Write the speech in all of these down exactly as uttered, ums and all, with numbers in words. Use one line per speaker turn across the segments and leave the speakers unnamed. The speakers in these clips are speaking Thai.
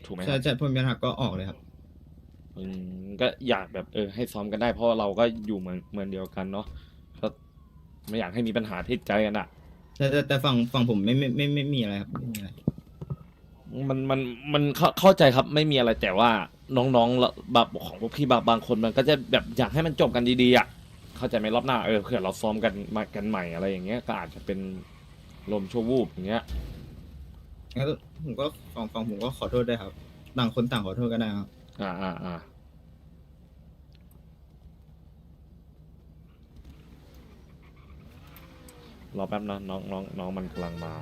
ถูกไหมค
ใช่
รับ
ใช่พอมีปัญหาก็ออกเลยครับ
อืมก็อยากแบบเออให้ซ้อมกันได้เพราะเราก็อยู่เมืองเมืองเดียวกันเนาะก็ไม่อยากให้มีปัญหาที่ใจกันอะ
แต่แต่แต่ฝั่งฝั่งผมไม่ไม่ไม่ไม่ไม่มีอะไรครับไม่มีอะไร
มันมันมันเข้าเข้าใจครับไม่มีอะไรแต่ว่าน้องๆแล้วแบบของพวกพี่บางบางคนมันก็จะแบบอยากให้มันจบกันดีๆอ่ะเข้าใจไหมรอบหน้าเออเผื่อเราซ้อมกันมากันใหม่อะไรอย่างเงี้ยก็อาจจะเป็นลมชั่ววูบอย่างเงี้ย
งั้นผมก็ฝั่งฝั่งผมก็ขอโทษได้วยครับต่างคนต่างขอโทษก็ได้ครับ
อ่าอ่าอ่า รอแป๊บนะน้องน้องน้องมันกำลังมา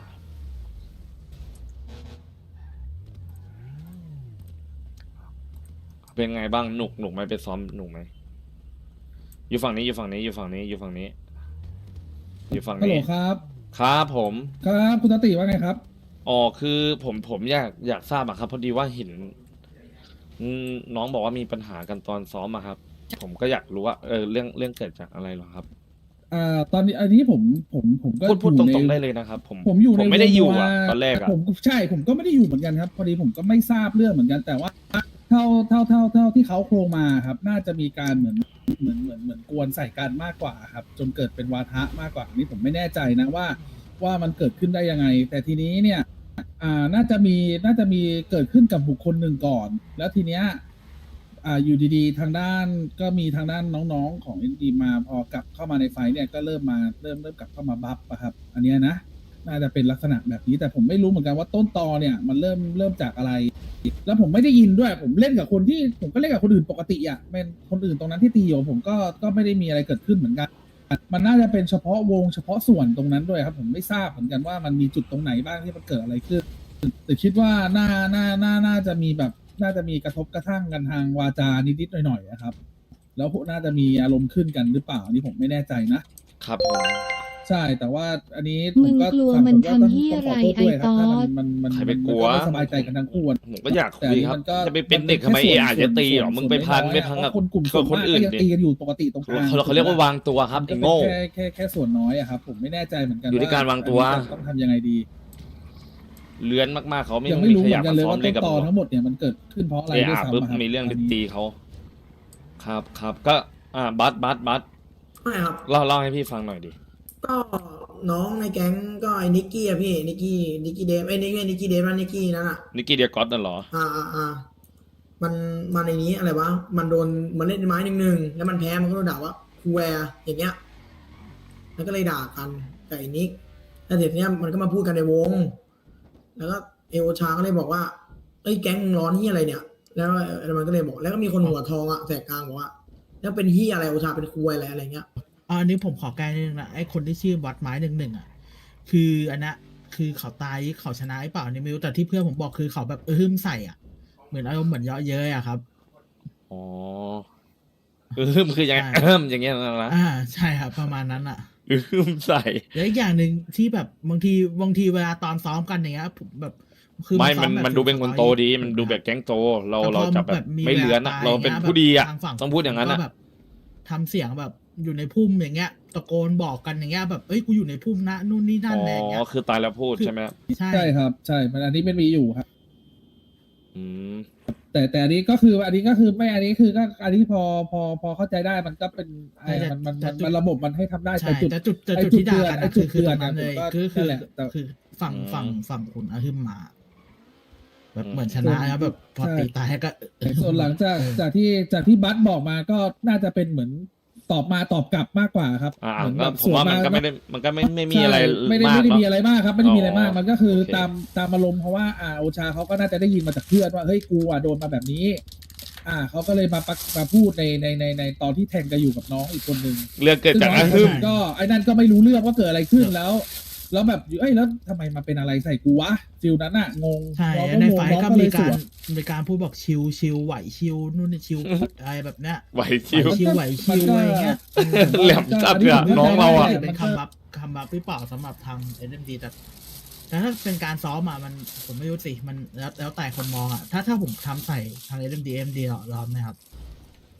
เป็นไงบ้างหนุกหนุกไหมไปซ้อมหนุกไหมอยู่ฝั่งนี้อยู่ฝั่งนี้อยู่ฝั่งนี้อยู่ฝั่งนี้อยู่ฝั่ง
ฮัลโหล
นี้
ครับ
ครับผม
ครับคุณตติว่าไงครับ
อ๋อคือผมผมอยากอยากทราบอะครับพอดีว่าเห็นอืมน้องบอกว่ามีปัญหากันตอนซ้อมอะครับ ผมก็อยากรู้ว่าเออเรื่องเรื่องเกิดจากอะไรเหรอครับ
อ่า ตอนนี้อันนี้ผมผมผมก็
พูดพูด
อ
ต
ยู่ใน
รงๆได้เลยนะครับ ผม
ผมอยู่
ผ
ใน
มไม่ได้อยู่
วง
อะ
ว่า
ตอนแรกอะ
ผมใช่ผมก็ไม่ได้อยู่เหมือนกันครับ พอดีผมก็ไม่ทราบเรื่องเหมือนกัน แต่ว่าเท่าเท่าเท่าเท่าที่เขาโครงมาครับ น่าจะมีการเหมือนเหมือนเหมือนเหมือนกวนใส่กันมากกว่าครับ จนเกิดเป็นวาทะมากกว่าอันนี้ผมไม่แน่ใจนะว่า ว่ามันเกิดขึ้นได้ยังไง แต่ทีนี้เนี่ย อ่า น่าจะมี น่าจะมีเกิดขึ้นกับบุคคลหนึ่งก่อน แล้วทีเนี้ย อ่า อยู่ดีๆ ทางด้าน ก็มีทางด้านน้องๆ ของ เอ็น ดี มา พอกลับเข้ามาในไฟท์เนี่ย ก็เริ่มมา เริ่ม เริ่มกลับเข้ามาบัฟอะครับ อันเนี้ยนะ น่าจะเป็นลักษณะแบบนี้ แต่ผมไม่รู้เหมือนกันว่าต้นตอเนี่ย มันเริ่ม เริ่มจากอะไร แล้วผมไม่ได้ยินด้วย ผมเล่นกับคนที่ ผมก็เล่นกับคนอื่นปกติอะเป็นคนอื่นตรงนั้นที่ตีอยู่ผมก็ ก็ไม่ได้มีอะไรเกิดขึ้นเหมือนกัน มันน่าจะเป็นเฉพาะวงเฉพาะส่วนตรงนั้นด้วยครับ ผมไม่ทราบเหมือนกันว่ามันมีจุดตรงไหนบ้างที่มันเกิดอะไรขึ้น แต่คิดว่าน่า น่า น่า น่าจะมีแบบ น่าจะมีกระทบกระทั่งกันทางวาจานิดๆหน่อยๆอะครับ แล้วน่าจะมีอารมณ์ขึ้นกันหรือเปล่าอันนี้ผมไม่แน่ใจนะ
ครับผม
ใช่ แต่ว่าอันนี้ผ
มึ
ม
ง
ก็
กลัว
ฝั่ง
มัน
ผมก็ต้อง
ทำเหี้ย
ต้องขอ
อะไร
โทษด้วยครับ
ไอ้
ถ้า
ต๊อ
มัน
ด
มันมัน
ใคร
มัน
ไปกลัว
ไม่สบายใจกันทั้งคู่อะ
ผมก็อยาก
แต่
คุ
อัน
ย
นี้
ครับ
มันก็
จะไปเป็น
มัน
เด็กทำไม
แค่
เอ
ส่วน
อาจจะตีเหรอ
ส่วน
มึงไปพัน
ส่วน
ไปพังกับ
เพราะคนกลุ่ม
กับคน
ส่วนมาก
อื่น
ก็ยัง
ดิ
ตีกันอยู่ปกติตรงกลาง
เขาเขาเรียกว่าวางตัวครับ
มัน
ไอ้
ก็เป็น
โง่
แค่แค่แค่ส่วนน้อยอะครับ ผมไม่แน่ใจเหมือนกัน
อยู่ที่การวางตัว
อันนี้ต้องทำยังไงดี
เลื้อนมากๆเขาไม่
ยังไม่รู้
ข
เหมื
ยั
อบ นกัน
มา
เลย
ซ้อม
ว่า
เล่
ต้
น
น
กับ
ตอ
มึง
ทั้งหมดเนี่ยมันเกิดขึ้นเพราะอะไร
เอ
ด้วย
อา
ซ้ำ
ปุ๊บ
อะครับ
มีเรื่องไป
นนี้
ตีเขาครับครับก็อ่าบัสบัสบัส
ไม่ครับ
เล่าเล่าให้พี่ฟังหน่อยดิ
ก็น้องในแก๊งก็ไอ้นิกกี้อะพี่นิกกี้นิกกี้เดฟไอ้นิกกี้นิกกี้เดฟนั่นนิกกี้นั่นอะ
นิกกี้เดียกอตน่ะเหรอ
อ่าอ่าอ่ามันมันในนี้อะไรวะมันโดนมันเล่นไม้หนึ่งหนึ่งแล้วมันแพ้มันก็โดนด่าว่าคูแวร์อย่างเงี้ยมันก็เลยด่ากันกับไอ้นิกแล้วเสร็จเนี้ยมันก็มาพูดกันในวง แล้วก็เอโอชาก็เลยบอกว่าเอ้ยแก๊งมึงร้อนที่อะไรเนี่ย แล้วแล้วมันก็เลยบอก แล้วก็มีคนหัวทองอะแสกกลางบอกว่าแล้วเป็นที่อะไรโอชาเป็นคูอะไรอะไรเงี้ย
อะอันนี้ผมขอแก้นิดนึงนะไอ้คนที่ชื่อวัดไม้หนึ่งหนึ่งอ่ะคืออันนั้นคือเขาตายเขาชนะหรือเปล่านี่ไม่รู้แต่ที่เพื่อนผมบอกคือเขาแบบเออหึมใส่อ่ะเหมือนอารมณ์เหมือนเยาะเย้ยอ่ะครับ
อ๋ออืมคือยังไง
ใช่
เอิ่มอย่างเงี้ยนะ
อ่าใช่ครับประมาณนั้นอ่ะ
อืมใส่
แล้วอีกอย่างหนึ่งที่แบบบางทีบางทีเวลาตอนซ้อมกันอย่างเงี้ยผมแบบคือ
ไม่
ซ้อ
มัน
แบบ
มันดูเป็นคนโตดี
ฟิลสตอรี่
มันดูแบบแก๊งโต เรา
แต่พอ
เราจะแบบ
มี
ไม่เลื้อนอะ
วล
เราเป็น
ตย
ผู้ดีอะ
ทางฝั่
ต้องพูดอย่างนั้น
ก็
อะ
แบบทำเสียงแบบอยู่ในพุ่มอย่างเงี้ย ตะโกนบอกกันอย่างเงี้ยแบบเอ้ยกูอยู่ในพุ่มนะนู่นนี่นั่น
อ๋
อะไรอย่างเงี้
อย คือตายแล้วพูดใช่ไหม
ใช่
ใช่ครับ ใช่ มันอันนี้เป็นมีอยู่ครับ
อืม
แต่แต่อันนี้ก็คืออันนี้ก็คือไม่อันนี้คือก็อันนี้พอพอพอเข้าใจได้มันก็เป็นไอ้มันมันมันมันระบบมันให้ทำได้
ใช่
แต่จุด
แต่จุดแต่
ไอ้
จุด
จุด
ที่ด่า
เตือน
กัน
ไอ้
นะ
จุ
คือ
ด
คือ
เตื
ต
อ
ร
น
งนั้นเลย
เนี่ยผมก็
คือคื
นั่
อน
แหละแต่
คือฝั่ง
อืม
ฝั่งฝั่งคุณอาฮึมมาแบบ
อืม
เหมือนชนะแล้วแบบพอ
ใช่
ตีตายก็
แต่ส่วนหลังจากจากที่จากที่บัสบอกมาก็น่าจะเป็นเหมือนตอบมาตอบกลับมากกว่าครับ
อ่า
เหมือน
ก็
แบบ
ผมว่ามันก็
ส
ไม่ได้มันก็ไม่ไม่มี
ใช่
อะไร
ไม่ได้
มาก
ไม่ได้
เน
มี
อะ
อะไรมากครับ ไม่ได้มีอะไรมาก
อ๋อ
มันก็คือ
โอเค
ตามตามอารมณ์เพราะว่าอ่าโอชาเขาก็น่าจะได้ยินมาจากเพื่อนว่าเฮ้ยกูอ่ะโดนมาแบบนี้ อ่าเขาก็เลยมาปักมาพูดในในในในตอนที่แทงกันอยู่กับน้องอีกคนหนึ่ง
เรื่องเกิด
ซึ่ง
จาก
น้อง
อา
อีกค
ฮึ
น
ม
หนึ่งก็ไอ้นั่นก็ไม่รู้เรื่องว่าเกิดอะไรขึ้นแล้ว แล้วแบบเอ้ยแล้วทำไมมาเป็นอะไรใส่กูวะฟิลนั้นอะงง
ใช่
น้อง
ใน
งง
ไฟ
น้อง
ก็
ก็เล
มี
ยส
การ
วน
มีการพูดบอกชิวชิวไหวชิวนู่นนี่ชิวอะไรแบบเนี้ย
ไหวชิว
ชิวไหวชิวอะไรเงี้ย
แหลมจัดอะน้องเราอะ
เป็นคำบัฟคำบัฟหรือเปล่าสำหรับทางเอ็มดีแต่แต่ถ้าเป็นการซ้อมอะมันผมไม่รู้สิมันแล้วแล้วแต่คนมองอะถ้าถ้าผมทำใส่ทางเอ็มดีเอ็มดีเราเราไหมครับ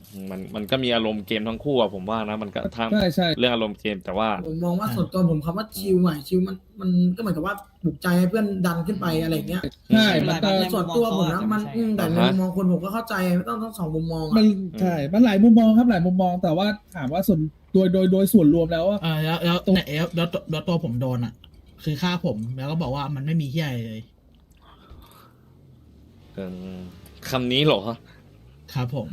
มันมันก็มีอารมณ์เกมทั้งคู่อะผมว่านะมันก็ทาง
ใช่ใช่
เรื่องอารมณ์เกมแต่ว่า
ผมมองว่าส่วนตัวผมคำว่าชิลหน่อยชิลมันมันก็เหมือนกับว่าปลุกใจให้เพื่อนดันขึ้นไปอะไรอย่างเงี้ย
ใช่มันก็
แต่ส่วนตัวผมนะมันอืมแต่ในมุมมองคนผมก็เข้าใจไม่ต้องทั้งสองมุมมอง
มั
อะ
นใช่ มันหลายมุมมองครับหลายมุมมอง แต่ว่าถามว่าส่วนโดยโดยโดยส่วนรวมแล้วว่า
อ่าแล้วแล้วเนี่ยแล้วแล้วแล้วตัวผมโดนอ่ะ คือฆ่าผมแล้วก็บอกว่ามันไม่มีที่อะไรเลย
เออคำนี้เหรอ
ครับผม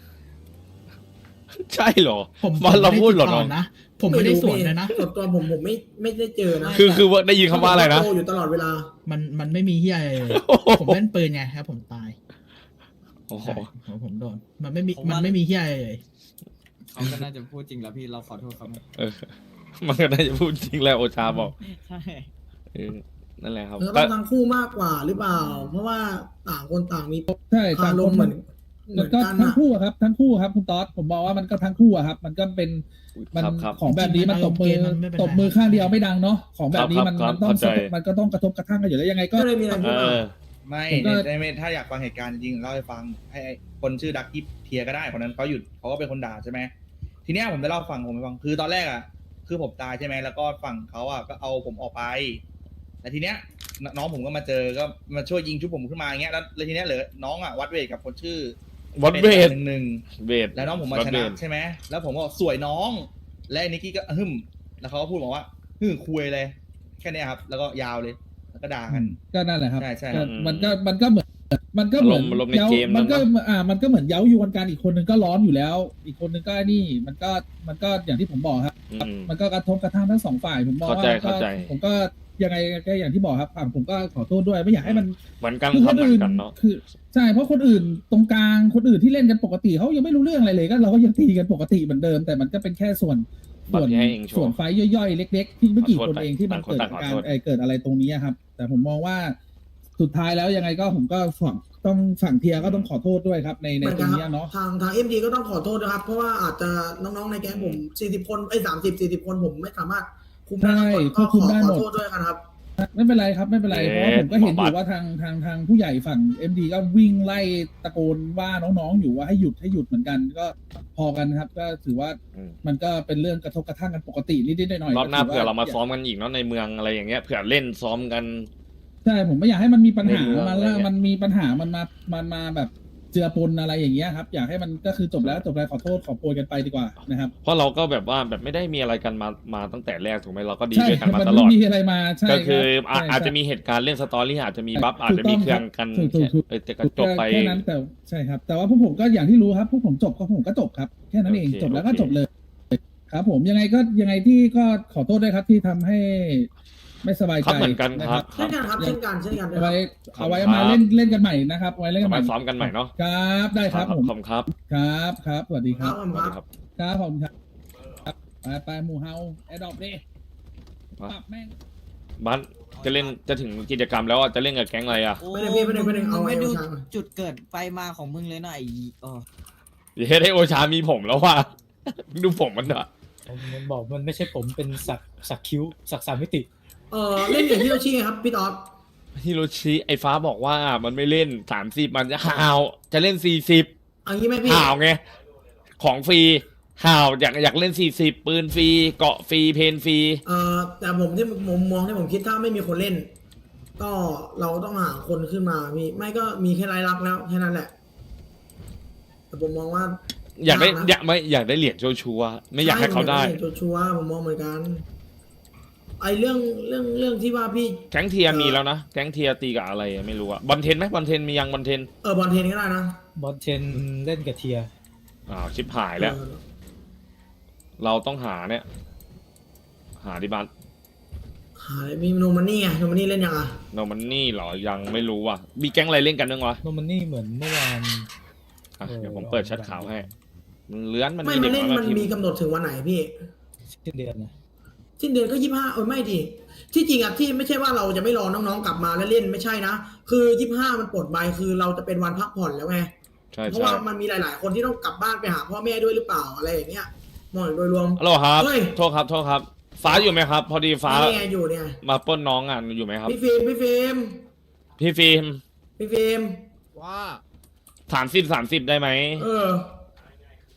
ใช่เหรอ
ผม
มันเราพูดเหรอ
ผม
น้อง
ไม่ไติต่นะ ผมไม่ได้สวนเลยนะ
ส่วนตัวผมผมไม่ไม่ได้เจอนะ
คือคือว่าได้ยินคำว่าอะไรนะ
โตอยู่ตลอดเวลา
มันมันไม่มีที่อะไรเลย ผมเล่นปืนไงครับผมตาย
โอ้โห
ใช่ผมผมโดน มันไม่มี
ผมว่ามั
มันไม่มีที่อะไรเลย
เขาก็น่าจะพูดจริงแล้วพี่เราขอโทษเขา
เออ มันก็น่าจะพูดจริงแล้วโอชาบอก
ใช่
เออนั่นแหละครับ
มันก็
ก็
ต้องทั้งคู่มากกว่าหรือเปล่า เพราะว่าต่างคนต่างมี
ใช่
คา
ต่าง
ร
ค
ม
น
ณ์เหมือนเหมื
มั
อน น
ก็
กัน
ทั้ง
อะ
คู่อะครับ ทั้งคู่ครับคุณต๊อดผมบอกว่ามันก็ทั้งคู่อะครับ มันก็เป็นมัน
ครับครับ
ของแบบนี้มันตบมือ
มันไม่เป็นไร
ตบมือข้างเดียวไม่ดังเนาะของแบบนี้
ครับ
มัน
ครับ
มันต้อง
เข้าใจ
มันก็ต้องกระทบกระทั่งกันอยู่แล้วยังไงก็
ก็เลยมีอะไร
เอ
พูดมา
อ
ไม่
ผมก็
ในในถ้าอยากฟังเหตุการณ์จริงๆเล่าให้ฟังให้ไอ้คนชื่อดักกี้เทียก็ได้คนนั้นเขาหยุดเขาก็เป็นคนด่าใช่ไหมทีเนี้ยผมจะเล่าฟังผมให้ฟังคือตอนแรกอ่ะคือผมตายใช่ไหมแล้วก็ฝั่งเขาอ่ะก็เอาผมออกไปแต่ทีเนี้ยนน้องผมก็มาเจอก็มาช่วยยิงชุบผมขึ้นมาอย่างเงี้ยแล้วแล้วทีเนี้ยเหลือน้องอ่ะวัดเวทกับคนชื่อ
วัดเวท
หนึ่งหนึ่ง
เวท
แล้วน้องผมมา
วัด
ช
เว
นะ
ท
ใช่ไหมแล้วผมก็สวยน้องและไอ้นิกกี้ก็ฮึมแล้วเขาก็พูดบอกว่าฮึมคุยเลยแค่เนี้ยครับ แล้วก็ยาวเลยแล้วก็ด่ากัน
ก็นั่นแหละครับ
ใช่ใช่
ก็มันก็มันก็เหมือนมันก็เหมือน
อารมณ์อารมณ์ใน
เย้า
เกม
มันก็
เนอะ
อ่ามันก็เหมือนเย้ายวนกันอีกคนนึงก็ร้อนอยู่แล้ว อีกคนนึงก็นี่มันก็มันก็อย่างที่ผมบอกครับ
อืม
มันก็กระทบกระทั่งทั้งสองฝ่ายผมมอง
เข้า
ว่า
ใจ
ก็
เข้าใจ
ผมก็ยังไงก็อย่างที่บอกครับฝั่งผมก็ขอโทษด้วยไม่อยากให้มัน
เหมือนกัน
คือ
ค
ครับ น
เหมือ
อื่
น
น
กันเนาะ
คือใช่เพราะคนอื่นตรงกลางคนอื่นที่เล่นกันปกติเขายังไม่รู้เรื่องอะไรเลยก็เราก็ยังตีกันปกติเหมือนเดิม แต่มันก็เป็นแค่ส่วนส่วน
บัตรให้เองโชว์
ส่วนไฟท์ย่อยๆ เล็ก ๆ ที่ไม่กี่
ขอ
ค
โทษ
น
ไป
เองที่มัน
ต่างคน
เกิด
ต่างขอ
การ
โทษ
เอ่อเกิดอะไรตรงนี้อะครับ แต่ผมมองว่าสุดท้ายแล้วยังไงก็ผมก็ฝั่งต้องฝั่งเทียก็ต้องขอโทษด้วยครับ ในใน
เหมือน
ตร
กัน
ง
ค
นี้
รับ
เนาะ
ทางทางเอ็มดีก็ต้องขอโทษนะครับ เพราะว่าอาจจะน้องๆในแก๊งผมสี่สิบคนไอ้สามสิบสี่สิบคนผมไม่สามารถคุมได้ทั้งหมดก็ขอขอโทษด้วยกันครับ
ไม่เป็นไรครับไม่เป็นไรเพราะว่าผมก็เห็นอยู่ว่าทางทางทางผู้ใหญ่ฝั่ง เอ็ม ดี ก็วิ่งไล่ตะโกนว่าน้องๆอยู่ว่าให้หยุดให้หยุดเหมือนกัน ก็พอกันครับ ก็ถือว่า
อืม
มันก็เป็นเรื่องกระทบกระทั่งกันปกตินิดๆหน่อยๆ
รอบหน้า
ก็ถื
เผื่อเรามา
ว่
ซ้อมกันอีกเนาะในเมืองอะไรอย่างเงี้ยเผื่อเล่นซ้อมกัน
ใช่ผมไม่อยากให้มันมีปัญหา
ในเมือง
มัน
อะไร
แล้ว
เงี้ย
มันมีปัญหามันมามันมาแบบเจือปนอะไรอย่างเงี้ยครับ อยากให้มันก็คือจบแล้วจบแล้วขอโทษขอโพยกันไปดีกว่านะครับ
เพราะเราก็แบบว่าแบบไม่ได้มีอะไรกันมามาตั้งแต่แรกถูกไหมเราก็ดี
ใช่
ด้วยกันมา
มัน
ตล
ไม่
อด
มีอะไรมาใช่
ก็คือ
รับ
อ่ะ
ใช่
อาจจะ
ใช่
มีเหตุการณ์เล่นสตอรี่อาจจะมีบัฟ
ถูก
อาจจะมีเครื่องกัน
ถูกต้องครับ
เออแต่ก็จบไป
แค่นั้นแต่ใช่ครับ แต่ว่าพวกผมก็อย่างที่รู้ครับพวกผมจบก็ผมก็จบครับแค่นั้นเอง
โอเค
จบแล้วก็
โอเค
จบเลย ครับผมยังไงก็ยังไงที่ก็ขอโทษด้วยครับที่ทำให้ไม่สบาย
ครั
ใจ
บเหมือนกัน
นะครับ
เช่นกันครับเช่นกันเช่นกัน
เอา
นะค
ไว้
รับ
เอาไว้
ครับ
มาเล่นเล่นกันใหม่นะครับเอาไว้เล่นกัน
เอา
ใหม่
ไว้ซ้อมกันใหม่เนาะ
ครับได้ครับผม
ขอบคุณครับ
ครับครับสวัสดีค
ค
รั
รั
บบ
ผม
สวัส
ค
ดี
รับ
ครับ
ครับผมครับครับไปไปหมู่เฮาแอดดอปดิ
มา
ปรับแม่ง
บ้านจะเล่นจะถึงกิจกรรมแล้วอ่ะจะเล่นกับแก๊งอะไรอ่ะ
โอ้
ไม่ได้พี่ไม่ได้ไม่ได้เอาไว้
ไม่ดู
เอาช้าง
จุดเกิดไปมาของมึงเลยนะไอ้เออ
เดี๋ยวให้โอชามีผมแล้วว่ะ ดูผมมันเถอะ
มันบอกมันไม่ใช่ผมเป็นสักสักคิ้วสักสามมิติ
เออเล่นอย่างที่เราชี้ไงครับพี่ต๊อด
ฮิโรชิไอ้ฟ้าบอกว่ามันไม่เล่นสามสิบมันจะห่าวจะเล่นสี่สิบ
เอันนี้ไหมพี่
ห่าวไงของฟรีห่าวอยากอยากเล่นสี่สิบปืนฟรีเกาะฟรีเพนฟรี
เออแต่ผมที่ผมมองที่ผมคิดถ้าไม่มีคนเล่น ก็เราต้องหาคนขึ้นมาพี่ไม่ก็มีแค่รายรับแล้วแค่นั้นแหละ แต่ผมมองว่า
อยากได้
นะ
อยากไม่อยากได้เหรียญโชว์ชัวร์ไม่อยากให้เขาได้
ช่ชัวร์ๆผมมองเหมือนกัน ไอเรื่องเรื่องเรื่องที่ว่าพี่
แก๊งเทียร์มีแล้วนะแก๊งเทียร์ตีกับอะไรไม่รู้อะบอลเทนไหมบอลเทนมียังบอลเทน
เออบอลเทนก็ได้นะ
บอลเทนเล่นกับเทีย
อ้าวชิบหายแล้ว
เออ
เราต้องหาเนี่ย หาดิบัน
หามีโนมันนี่ไงโนมันนี่เล่นยังอ่ะ
โนมันนี่เหรอยังไม่รู้ว่ะมีแก๊งอะไรเล่นกันบ้างวะ
โนมันนี่เหมือนเมื่อวาน
อ่ะ
เออ
เดี๋ยวผมเปิดแชัดข่าวให้มันเลื้อนมัน
ไม่
มี
มั
เด็
น
ก
เล่น
น้อย
มัน
มาทีม
มีกำหนดถึงวันไหนพี่
สิ้นเดือนนะ
สิ้นเดือนก็ยี่ห้าเออไม่ดิที่จริงอ่ะที่ไม่ใช่ว่าเราจะไม่รอน้องๆกลับมาแล้วเล่นไม่ใช่นะคือยี่ห้ามันปลดใบคือเราจะเป็นวันพักผ่อนแล้วไง
ใช่
เพราะ
ใช่
ว่ามันมีหลาย ๆ คนที่ต้องกลับบ้านไปหาพ่อแม่ด้วยหรือเปล่าอะไรอย่างเงี้ยมองโดยรวม
ฮัลโหลครับ
เฮ้ย
โทษครับโทษครับ ฟ้าอยู่ไหมครับ พอดีฟ้า
นี่ไงอยู่เนี่ย
มาปล้นน้องอ่ะอยู่ไหมครับ
พี่ฟิล์มพี่ฟิล์ม
พี่ฟิล์ม
พี่ฟิล์ม
ว่า
สามสิบสามสิบได้ไหม
เออ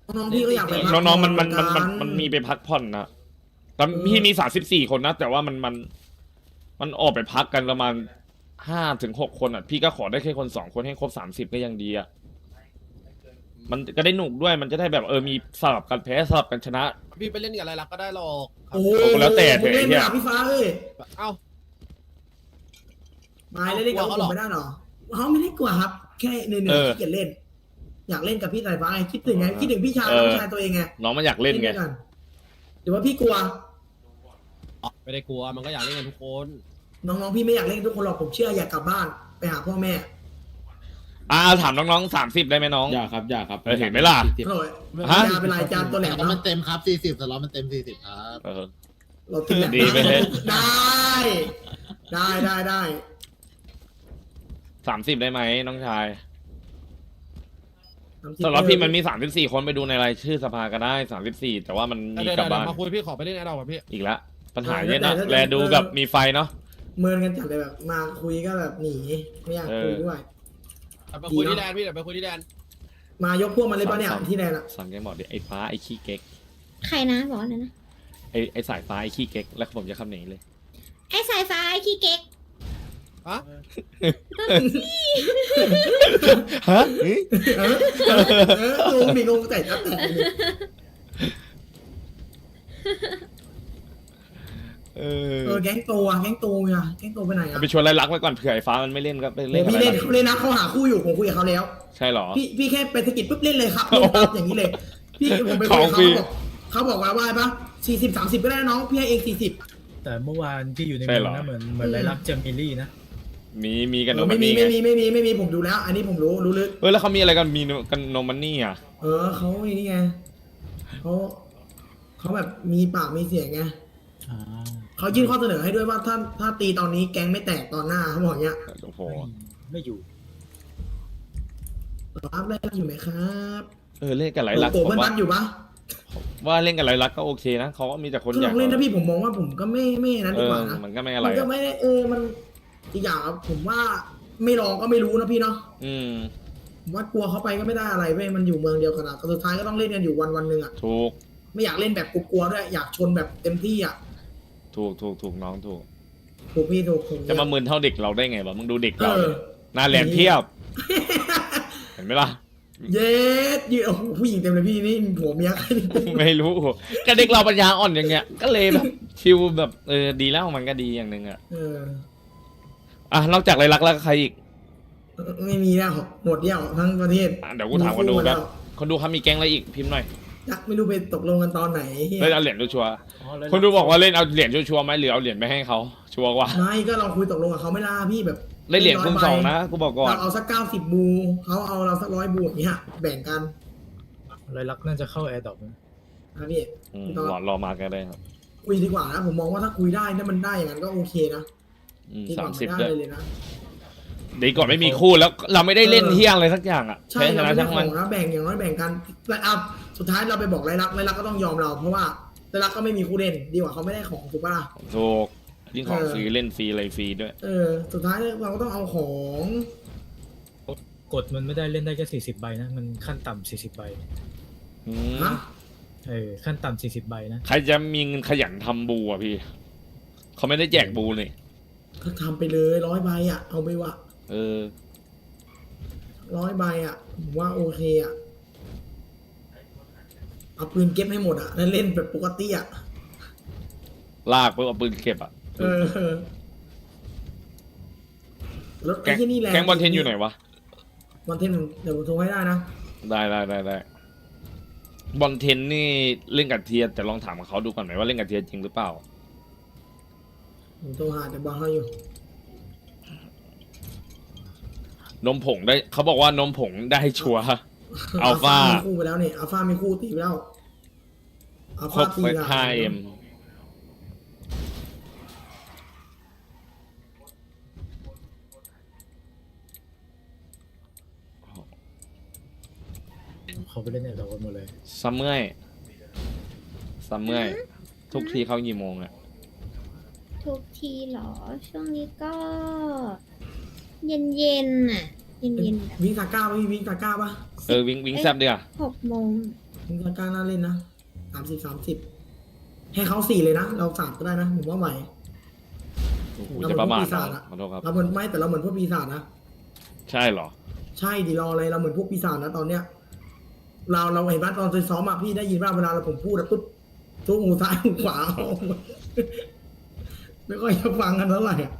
น้องๆพี่ก็อยากไปพัก
น้องๆมันมัน
ผ่
มัน
อ
มันมันมีไปพักผ่อนนะตอน
เออ
พี่มีสามสิบสี่คนนะ แต่ว่ามันมัน มันออกไปพักกันประมาณห้าถึงหกคนอ่ะ พี่ก็ขอได้แค่คนสองคนให้ครบสามสิบก็ยังดีอ่ะ มันก็ได้หนุกด้วย มันจะได้แบบเออมีสลับกันแพ้สลับกันชนะ
พี่ไปเล่นกับอะไรลักก็ได้หรอกครับ
โอ้โห
โอ้แล้วแต่
ผมเล่น
เถอะไอ้เหี้ย
กับพี่ฟ้าเอ้ย
เอ้า
มาเล่นกับ
กลัว
ผ
เขาเหร
ม
อ
ไม่ได้หรอเขาไม่ได้กลัวครับ แค่เหนื่อย
เออ
ๆขี้เกียจเล่น อยากเล่นกับพี่สายฟ้าไงคิดถึงไงคิดถึงพี่ชาย
เออ
น้องชายตัวเองไง
น้องมันอยากเล่นไง
ด้วยกันหรือว่าพี่กลัว
ไม่ได้กลัวมันก็อยากเล่นกันทุกคน
น้องๆพี่ไม่อยากเล่นกับทุกคนหรอกผมเชื่ออยากกลับบ้านไปหาพ่อแม่
อ่าถามน้องๆสามสิบได้ไหมน้อง
อย่าครับอย่าครับ
เออเห็นไหมล่ะ
อร่อย
ฮะ
ยาเป็นลายจานตัวแหลม
แต่มัน
เนาะ
เต็มครับสี่สิบแต่ล้อมันเต็มสี่สิบครับ
เออ
เราติดแหลม
ดีไปเลย
ได้ ได้ได้ได้
สามสิบได้ไหมน้องชาย
ทำคลิป
สำหรับพี่มันมีสามสิบสี่คนไปดูในรายชื่อสภาก็ได้สามสิบสี่แต่ว่ามันมี
เดี๋ยว
กลับ
เดี๋ยว
บ้าน
มาคุยพี่ขอไปเล่นไอ้เรากับพี่
อีกแล้วปัญหาเยอะนะแลดูแบบมีไฟเนาะ
เมินกันจัดเลยแบบมาคุยก็แบบหนีไม่อยากคุยด้วย
ไปคุยที่แดนพี่เดี๋ยวไปคุยที่แดน
มายกพวกมันเลยป่ะเนี่ยที่แดนอะ
สั่งแกบอกดิไอ้ฟ้าไอ้ขี้เก๊ก
ใครนะบอกอะไรนะ
ไอ้ไอ้สายฟ้าไอ้ขี้เก๊กแล้วผมจะคำหนีเลย
ไอ้สายฟ้าไอ้ขี้เก๊ก
ฮะ
ฮะ
เออเออเอองงดิงงแต่จัดแต่ดิ
เอ
เออแก๊งโตอะแก๊งโตอะแก๊งโตไปไหนอะ
ไปชวนไรลักไว้ก่อนเผื่อไอ้ฟ้ามันไม่เล่นก็ไปเล่นกับ
พี่
ไร
เล่น
ลัก
เขาเล่นนะเขาหาคู่อยู่ผมคุยกับเขาแล้ว
ใช่เหรอ
พี่พี่แค่ไปสะกิดปุ๊บเล่นเลยครับเล่นปั๊บอย่างนี้เลย พี่ผมไปคุยกับ
ของฟรี
เขาบอกเขาบอกว่าว่าปะสี่สิบสามสิบก็ได้นะน้องพี่ให้เองสี่สิบ
แต่เมื่อวานที่อยู่ใน
ใช่
เมื
เหร
อง
อ
นะเหมือนเหมือนไรลักษณ์เจมิลี่นะ
มีมีกันโน
ไม่
มัน
มี
นี่ไง
ไม่มีไม่มีไม่มีผมดูแล้ว อันนี้ผมรู้รู้ลึก
เออแล้วเขามีอะไรกันมีกันโนมันนี่อ่ะ
เออเขาไอ้นี่ไงเขาเขาแบบมีปากมีเสียงไง
อ่า
เขายื่นข้อเสนอให้ด้วยว่าถ้าถ้าตีตอนนี้แก๊งไม่แตกตอนหน้าเขาบอกอย่างเงี้ย
โอ้โห
ไม่ไม่อยู่
รับได้อยู่ไหมครับ
เออเล่นกับไรลัก
โอ้
ผ
โห
ม
มัน
ว่า
บันอยู่ปะ
ว่าเล่นกับไรลักก็โอเคนะเขาก็มีแต่คน
คือ
อ
ล
ยาก
องเล่นนะพี่ผมมองว่าผมก็ไม่ไม่นั้น
เอ
ดีก
อ
ว่านะ
มันก็ไม่อะไร
มันก็
อะ
ไม่ได้เออมันอีกอย่างอะผมว่าไม่ลองก็ไม่รู้นะพี่เนาะ
อืม
ผมว่ากลัวเขาไปก็ไม่ได้อะไรเว้ยมันอยู่เมืองเดียวกันอะแต่สุดท้ายก็ต้องเล่นกันอยู่วันวันหนึ่งอะ
ถูก
ไม่อยากเล่นแบบกลัวๆด้วยอยากชนแบบเต็มที่อะ
ถูกถูกถูกน้องถูก
ถูกพี่ถูกถูก
จะมามึนเท่าเด็กเราได้ไงวะมึงดูเด็ก
เอ
เรา
อ
หน้าแหลมเทียบ เห็นไหมล่ะ
เย็ดยืนโอ้โหผู้หญิงเต็มเลยพี่นี่ผัวเมียใครนี่
ไม่รู้ก็เด็กเราปัญญาอ่อนอย่างเงี้ย ก็เลยแบบชิวแบบเออดีแล้วมันก็ดีอย่างหนึ่งอ่ะ
เออ
อ่ะนอกจากไรลักแล้วใครอีก
ไม่มีแล้วหมดเดี่ยวทั้งประเทศ
อ่ะเดี๋ยวกูถามคนดูแบบคนดูเขามีแก๊งอะไรอีกพิมพ์หน่อย
ยักไม่รู้ไปตกลงกันตอนไหนเหี้ย
เล่นเอาเหรียญชัวร์
อ๋อไรลั
ๆคนดูบอกว่าเล่นเอาเหรียญชัวร์ๆไหมหรือเอาเหรียญไปให้เขาชัวร์กว่า
ไม่ก็เราคุยตกลงกับเขาไม่ล่าพี่แบบ
ได้เหรียญคูณสองนะกูบอกก่อน
เราเอาสักเก้าสิบบูเขาเอาเราสักร้อยบูอย่างเงี้ยแบ่งกัน
ไรลักษณ์น่าจะเข้าแอร์ดรอปนะ
นะพี่
อืมรอรอมากันได้ครับ
คุยดีกว่านะผมมองว่าถ้าคุยได้ถ้ามันได้อย่างนั้นก็โอเคนะ
อืม
ดีก
สา
ว่าม
สิบ
ไม่ได้
ด้วย
เลยนะ
ดีก่อนไม่มีคู่แล้วเราไม่ได้เล่นเที่ยงอะไรสักอย่างอ่ะ
ใช่
แพ้ช
เรา
นะ
ไม่ได้
ทั้ง
ข
มั
อน งนะแบ่งอย่างน้อยแบ่งกันแต่อ่ะสุดท้ายเราไปบอกไรลักไรลักก็ต้องยอมเรา เพราะว่าไรลักก็ไม่มีคู่เล่นดีกว่าเขาไม่ได้ของถูกปะล่ะ
ถูกยิ่งของ
เออ
ฟรีเล่นฟรีอะไรฟรีด้วย
เออ สุดท้ายเราก็ต้องเอาของ
กดมันไม่ได้เล่นได้แค่สี่สิบใบนะ มันขั้นต่ำสี่สิบใบ
อืม
ฮะ
เออขั้นต่ำสี่สิบใบนะ
ใครจะมีเงินขยันทำบูอ่ะพี่ เขาไม่ได้แจกบูเลย
ก็ทำไปเลยร้อยใบอ่ะ เอาไปวะ
เออ
ร้อยใบอ่ะผมว่าโอเคอ่ะเอาปืนเก็บให้หมดอ่ะแล้วเล่นแบบปกติอ่ะ
ลากเพื่อเอาปืนเก็บอ่ะ
เออรถ
แก๊
ไอ้
ง
ที่นี่แหละ
แก๊งบอลเทนอยู่ไหนวะ
บอลเทนผมเดี๋ยวผมโทรให้ได้นะ
ได้ได้ได้ได้บอลเทนนี่เล่นกับเทียร์แต่ลองถามเขาดูก่อนไหมว่าเล่นกับเทียร์จริงหรือเปล่า
ผมโทรหาแต่บอลเขาอยู่
นมผงได้เขาบอกว่านมผงได้ชัวร์ อัลฟา
มีคู่ไปแล้วเนี่ยอัลฟามีคู่ตีไปแล้วอัล
คร
ฟา
บ
ตี
ไป
ละ
ห้าเอ็ม
เขาไปเล่นแอร์ดรอปกันหมดเลย
ซัมเมอร์ซัมเมอร์ทุกทีเขากี่โมงอ่ะ
ทุกทีเหรอ ช่วงนี้ก็ เย็นเย็นๆน่ะ เย็นเย็นๆแบบ
วิ่งตาก้าปะพี่วิ่งตาก้าปะ
เออวิ่งวิ่งแซบดีอ่ะ
หกโมง
มึงก็กล้าน่าเล่นนะสามสิบสามสิบให้เขาสี่เลยนะ เราสามก็ได้นะผมว่าไหว
กูจะประมาท
เราเหมือนพวกปีศาจ
นะ
อะ
ขอโทษครับ
เราเหมือนไม่แต่เราเหมือนพวกปีศาจนะ
ใช่เหรอ
ใช่ดิรออะไรเราเหมือนพวกปีศาจนะตอนเนี้ย เราเราเห็นว่าตอนซ้อมอะพี่ได้ยินว่าเวลาเราผมพูดอะปุ๊บทุกหูซ้ายหูขวา ไม่ค่อยจะฟังกันเท่าไหร่อะ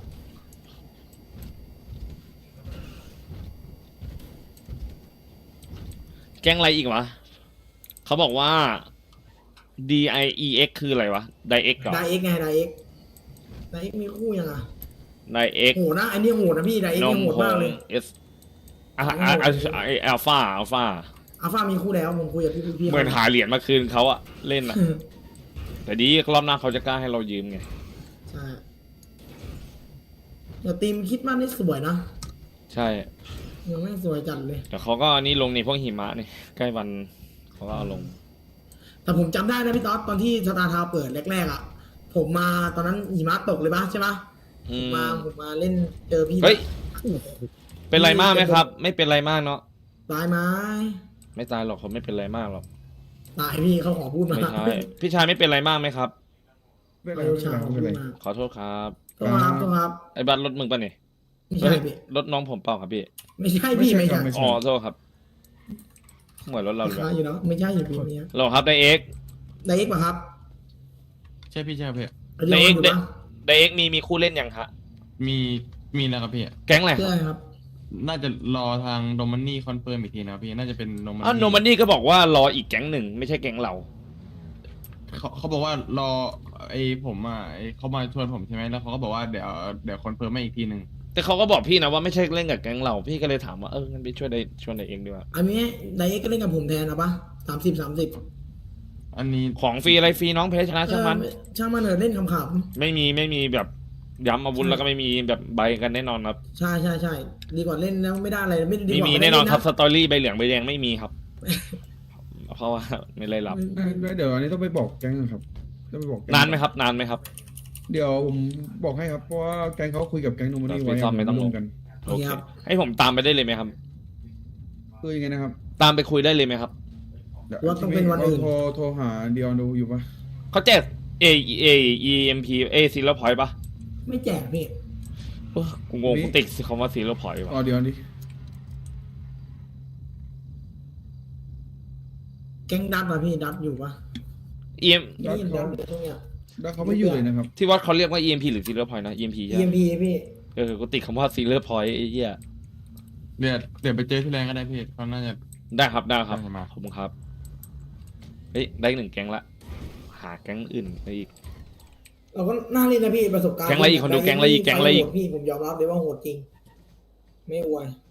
แก๊งอะไรอีกวะเขาบอกว่า D I E X คืออะไรวะ D I X เหรอ
ไดเอ็กไงไดเอ็กไดเอ็กมีคู่ยังอะ
D I X
โหดนะอันนี้โหดนะพี่ไดเอ็ก
น
นี่
ม
โหด
ผ
มาก
ง
เลย
S อ่ะอ่ะอ่ะอัลฟาอัลฟา
อัลฟามีคู่แล้วผมคุยกับพี่พี่
เหมือนหาเหรียญมาคืนเขาอะเล่นอะแต่ดีรอบหน้าเขาจะกล้าให้เรายืมไง
ใช่แต่ทีมคิดว่านี่สวยนะ
ใช่
ยังไม่สวยจัดเลย
แต่เขาก็อันนี้ลงในพวกหิมะนี่ใกล้วันเขาก็เอาลง
แต่ผมจำได้นะพี่ต๊อดตอนที่สตาร์ทาวน์เปิดแรกๆอ่ะ ผมมาตอนนั้นหิมะตกเลยปะใช่ปะ
อื
ผม
ม
มาผมมาเล่นเจอพี่
เฮ้ย
โอ้โห
เป็นไรมากไหมครับ ไม่เป็นไรมากเนาะ
ตายไหม
ไม่ตายหรอกเขาไม่เป็นไรมากหรอก
ตายพี่เขาขอพูดมา
ไม่ใช่พี่ชายไม่เป็นไรมากไหมครับ
ไม่เป็นไรชายขอพูดมา
ขอโทษครับ
ก็ครับก็ครับ
ไอ้บ้านรถมึงปะเนี่ย
ไม่ใช่พี่
รถน้องผมเปล่าครับพี่
ไม่ใช่พี่ไม่ใช่
อ๋อโทษครับเหมือนรถเรา
รา
เลย
คาอยู่เนาะไม่ใช่อยู่พี่เนี้ย
หรอครับไดเอ็ก
ไดเอ็กป่ะครับ
ใช่พี่ใช่พี่
ไดเอ็กอยู่ปะ
ไดเอ็กมีมีคู่เล่นยังฮะ
มีมีแล้วครับพี่
แก๊งอะไร
เชื่อครับ
น่าจะรอทางโดมันนี่คอนเฟิร์มอีกทีนะครับพี่น่าจะเป็นโดมัน
อ๋อโนมันนี่ก็บอกว่ารออีกแก๊งหนึ่งไม่ใช่แก๊งเรา
เขาเขาบอกว่ารอไอ้ผมอ่ะไอ้เขามาชวนผมใช่ไหมแล้วเขาก็บอกว่าเดี๋ยวเดี๋ยวคอนเฟิร์มมาอีกทีหนึ่ง
แต่เขาก็บอกพี่นะว่าไม่ใช่เล่นกับแก๊งเราพี่ก็เลยถามว่าเอองั้นไปช่วยไดชวนไดเอ็กดีกว่า
อันนี้ไดเอ็กก็เล่นกับผมแทนนะปะสามสิบสามสิบ
อันนี้
ของฟรีอะไรฟรีน้องเพชรชนะช่างมัน
ช่างมันเถอะเล่นขำๆ
ไม่มีไม่มีแบบย้ำอาวุธแล้วก็ไม่มีแบบใบกันแน่นอนครับ
ใช่ใช่ใช่ดีกว่าเล่นแล้วไม่ได้อะไรไม่ดี
ไม่
กว่า
มี
ไม่
แน่
ได้
นอน
เล่
ครับสตอรี่ใบเหลืองใบแดงไม่มีครับ เพราะว่าไม่ได้รับ
เดี๋ยวอันนี้ต้องไปบอกแก๊งนะครับต้องไปบอกแก๊ง
นานไหมครับนานไหมครับ
เดี๋ยวผมบอกให้ครับเพราะว่าแก๊งเขาคุยกับแก๊งโนมันนี่ไว้
พี่ซ่อมไม่ต้อง
รวมกัน
โอเคให้ผมตามไปได้เลยไหมครับ
คือยังไงนะครับ
ตามไปคุยได้เลยไหมครับ
ดี๋ย
ว่าต้องเป็นวันอื่น
โทรโทรหาเดียวดูอยู่ปะ
เขาแจก A A E M P A ซีแล้วพอยปะ
ไม่แจกพี่
เออกูงงกูติดคำว่าซีแล้วพอย
อ๋อ
วะ
เดี๋ยวดิ
แก๊งดับอะพี่ดับอยู่ปะ
เอ็ม
ได้ยินดับอยู่ตรงเนี้ย
แล้วเขาไม่อยู่เลยนะครับ
ที่วัดเขาเรียกว่า E M P หรือซีแล้วพอยนะ E M P ใช่
E
ไห
M
ม
P พี่
เออกูติดคำว่าซีแล้วพอยไอ้เหี้ย
เดี๋ยวเดี๋ยวไปเจอที่แรงก็ได้พี่เขาน่าจะ
ได้ครับได้ครับ
ได้มา
ขอบคุณครับเฮ้ยได้หนึ่งแก๊งละหาแก๊งอื่นไปอีก
เราก็น่าเล่นนะพี่ประสบการณ์
แก๊งอะไรอีกคนดูแก๊งอะไรอีกแก๊งอะไรอีก
โหดพี่ผมยอมรับเลยว่าโหดจริง ไม่อวย